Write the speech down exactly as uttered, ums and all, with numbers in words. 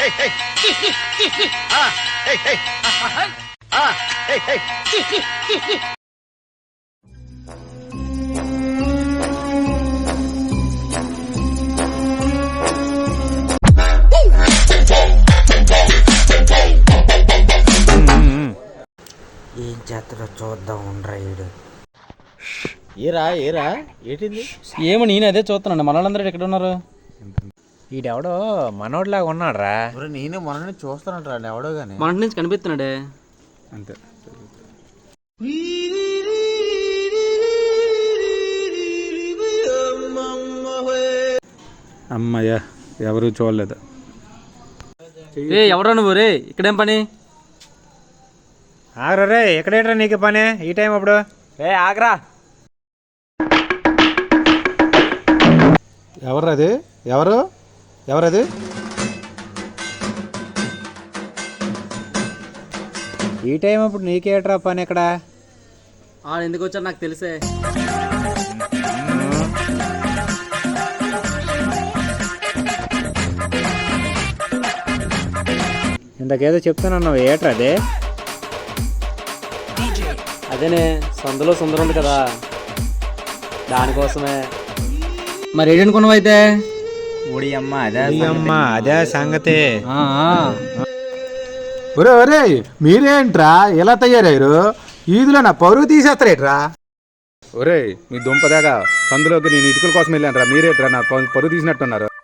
ఏం చేస్తాడో చూద్దాం రైడు. ఏరా ఏరా ఏంటింది? ఏమో నేను అదే చూస్తున్నాను. మనోళ్ళందరూ ఎక్కడ ఉన్నారు? ఈడెవడో మనోడ్లాగా ఉన్నాడు రా. నేను మొన్న చూస్తానంట ఎవడో గానీ మన నుంచి కనిపిస్తున్నాడే అంతే. అమ్మయ్యా ఎవరు చూడలేదు. రే ఎవరా నువ్వు? రే ఇక్కడేం పని? ఆగ్రా రే, ఎక్కడేట్రా నీకు పని ఈ టైం అప్పుడు? రే ఆగ్రా. ఎవరు అది? ఎవరు ఎవరది? ఈ టైం అప్పుడు నీకేట్రా పని ఎక్కడ? ఆ ఎందుకు వచ్చారు నాకు తెలిసే. ఇంతకేదో చెప్తున్నావు, ఏట్రా అదే? అదేనే సందులో సుందరం ఉంది కదా, దానికోసమే. మరి ఏంటనుకున్నావు అయితే? ఊడి అమ్మ అదే అమ్మ అదే సంగతి. ఒరే ఒరే మీరేంట్రా ఇలా తయారయ్యారు? ఈదులో నా పరువు తీసేస్తారేట్రా? ఒరే మీ దుంపదాగా సందులోకి నేను ఇటుకల కోసం వెళ్ళాను రా, మీరేట్రా నా పరువు తీసినట్టున్నారు.